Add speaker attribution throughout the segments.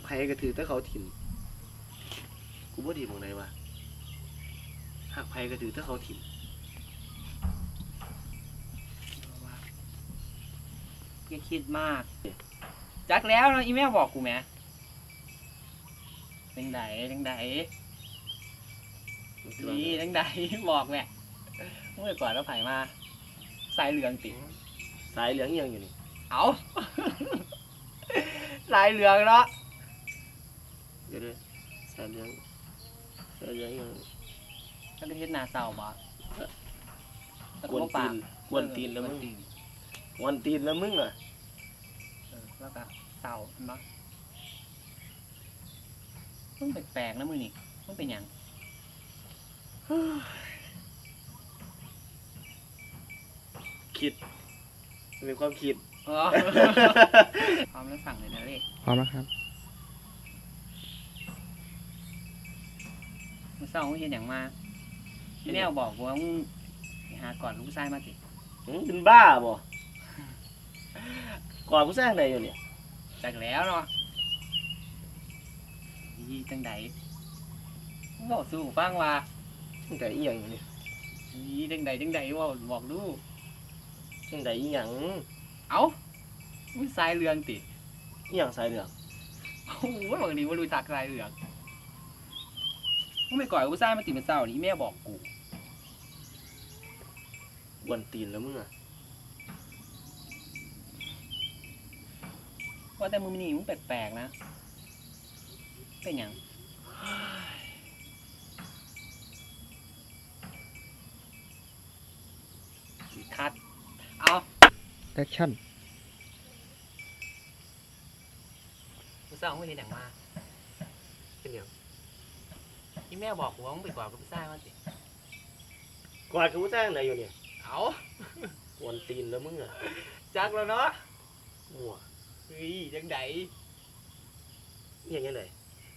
Speaker 1: ไผก็ถือแต่เขาถิ่มกูบ่ดีหม่องใดวะหักไผก็ถือแต่เขาถิ่ม
Speaker 2: อย่าคิดมากจักแล้วเนาะอีเมลบอกกูแหมจังไดนี่จังไดบอกแม่เมื่อก่อนเราไผมาสายเหลืองติ
Speaker 1: สายเหลืองอีหยังอยู่นี่
Speaker 2: เอา สายเหลืองเนาะ
Speaker 1: เดี๋ยวด้วยสายเหลืองอีหยัง
Speaker 2: ถ้าเป็นเฮ็ดนาเศร้าบ่
Speaker 1: กวนตีนแล้วมึงกวนตีนแล้วมึงอ่ะ
Speaker 2: แล้วก็เศร้าเนาะมึงแปลกๆนะมึงนี่มึงเป็นหยัง
Speaker 1: คิดมีความคิด
Speaker 2: พร้อมแล้วสั่งเลยนะเลข
Speaker 3: พร้อมแล้วครับ
Speaker 2: มึงเศร้ามึงเฮ็ดหยังมาพี่แนวบอกกูว่ามึงไปหาก่อนลูกชายมาติ
Speaker 1: เป็นบ้าบ่ก่อนผู้สร้างใดอยู่เนี่ย
Speaker 2: จักแล้วเนาะอีจังไดมึงบอกสู้ฟังว่า
Speaker 1: ตั้งแต่อีหยังอยู่นี่
Speaker 2: อีจังไดว่าบอกดู
Speaker 1: ตั้งแต่อีหยัง
Speaker 2: เอ้ามึงสายเหลืองติ
Speaker 1: อีหยังสายเหลือง
Speaker 2: โอ้โหบางทีว่ารู้จักสายเหลืองมึงไปก่อยกูสร้างมาติมันเศร้านี่แม่บอกกู
Speaker 1: กวนตีนแล้วมึงอ่ะ
Speaker 2: ว่าแต่มึงนี่มึงแปลกๆนะเป็นหยังคัดเอา
Speaker 3: แอคชั่น
Speaker 2: กูสร้างมึงเห็นอย่างมา
Speaker 1: เป็นหยัง
Speaker 2: ที่แม่บอกกูว่ามึงไปก่อยกูสร้างมาสิ
Speaker 1: ก่อนผู้สร้างใดอยู่เนี่ย
Speaker 2: เอา
Speaker 1: กวนตีนแล้วมึงอ่ะ
Speaker 2: จักแล้วเนาะ
Speaker 1: มั่ว
Speaker 2: เฮ้ยจังได
Speaker 1: อีหยังยังไง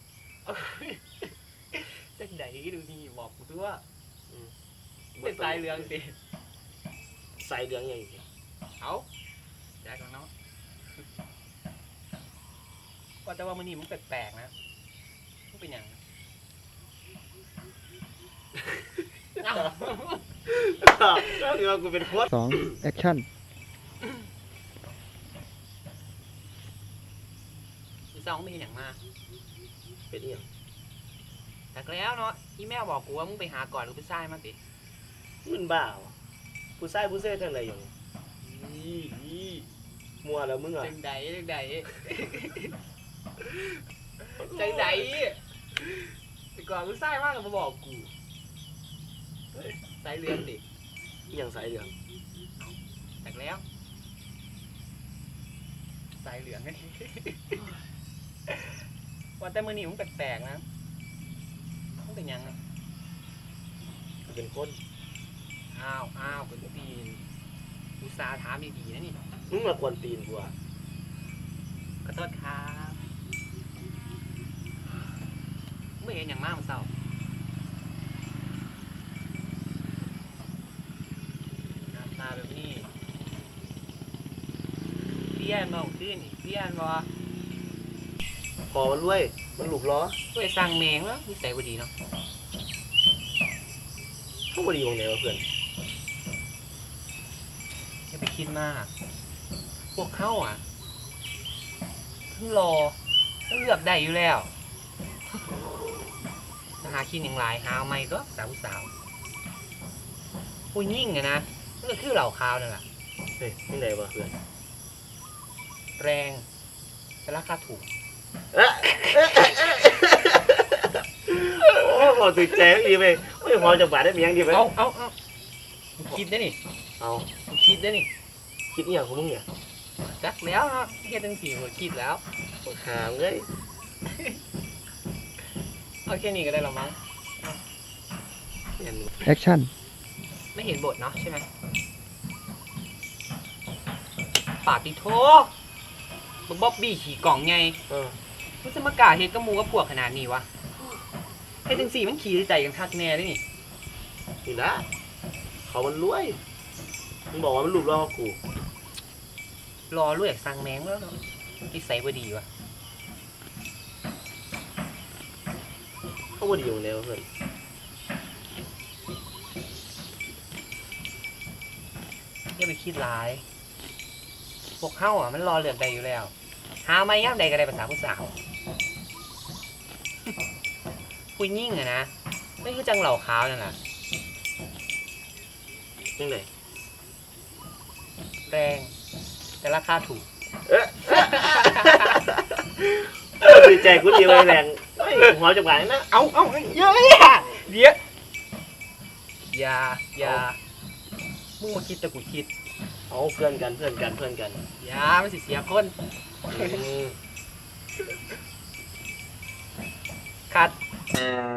Speaker 2: จังไดดูนี่บอกกูตัวเป็นสายเหลืองสิ
Speaker 1: สายเหลืองอีหยังอยู่เนี่ย
Speaker 2: เอาจักแล้วเนาะว่าแต่ว่ามึงนี่มึงแปลกๆนะมึงเป็นหยังเอา
Speaker 1: ก็คือว่ากูเป็นโค้ช
Speaker 3: 2 แอคชั่น
Speaker 2: กูสร้างมึงไม่เห็นอย่างมา
Speaker 1: เป็นอีหยัง
Speaker 2: จักแล้วเนาะอีแม่บอกกูว่ามึงไปหาก่อนกูไปสร้างมาสิ
Speaker 1: มึงบ้าวะผู้ชายผู้เซ่ทางใดอยู่เนี่ย
Speaker 2: นี่
Speaker 1: มั่วแล้วมึงอ่ะ
Speaker 2: จังไดจังไดแต่ก่อนกูสร้างมากกับมาบอกกูสายเรือนดิ
Speaker 1: อีหยังสายเหลือง
Speaker 2: จักแล้วสายเหลืองไง ว่าแต่มือนี่มึงแปลกๆนะมึงเป็นยังไง
Speaker 1: กูเป็นคน
Speaker 2: อ้าวเป็นตีนอุตส่าห์ถามดีๆนะนี่
Speaker 1: มึงมากวนตีนกูอ่ะ
Speaker 2: ขอโทษครับไม่เห็นอย่างมากมันเศร้าหน้าตาแบบนี้เปี้ยนมองขึ้นนี่เปี้ยนบ่
Speaker 1: พอมันรวยมันหลุกล้อ
Speaker 2: ไปสั่งแมงแล้วนิสัยบ่ดีเนาะ
Speaker 1: เขาบดีตรงไหนวะเพื่อน
Speaker 2: อย่าไปคิดมาก พวกเขาอ่ะทั้งรอทั้งเลือกได้อยู่แล้วหาคิดอย่างไรหาเอาไม่ก็สาวผู้ยิ่งไงนะนั่นก็คือเหล่าขาวนั่นแหละ
Speaker 1: เฮ้ยที่ไหนวะเพื่อน
Speaker 2: แรงแต่ราคาถูก
Speaker 1: โอ้พอตื่นใจดีไปไม่พอจะบาดได้เมียงดีไป
Speaker 2: เอาคิดได้นี่
Speaker 1: เอา
Speaker 2: คิดได้นี่
Speaker 1: คิดอหย่างของมึงเนี่ย
Speaker 2: จักแล้วเนาะเฮ็ดจังสี่หัวคิดแล้ว
Speaker 1: หามเลย
Speaker 2: เอาแค่นี้ก็ได้แล้วมั้ง
Speaker 1: เห็น
Speaker 3: แอคชั่น
Speaker 2: ไม่เห็นบทเนาะใช่ไหมปาติโทมึงบ๊อบบี้ขี่กล่องไง มันจะมากาเฮ็ดกับหมูกับพวกขนาดนี้วะเฮ็ดจังสี่มันขี่ใจกันคักแน่เลยนี่
Speaker 1: นี่นะเขามันรวยมึงบอกว่ามันหลุกล้อกู
Speaker 2: รอรวยสั่งแมงแล้วเนาะนิสัยบ่ดีวะ
Speaker 1: เขาบ่ดีอยู่แล้วเพื่อน
Speaker 2: อย่าไปคิดร้าย พวกเฮาอ่ะมันรอเลือกได้อยู่แล้ว หาไม่ย่ำใดก็ได้ภาษาผู้สาว ผู้ยิ่งอะนะไม่คือจังเหล่าขาวนั่นน่ะ
Speaker 1: ยังไง
Speaker 2: แรงแต่ราคาถูก
Speaker 1: ดีใจกูดีไว้แรงเฮ้ยหัวจับหวานนะ
Speaker 2: เอาเยอะเนี่ยเดี๋ยวอย่ามึงมาคิดแต่กูคิด
Speaker 1: เอาเพื่อนกัน
Speaker 2: อย่าไม่สิเสียคน
Speaker 1: อืม
Speaker 2: คัด
Speaker 1: อ่า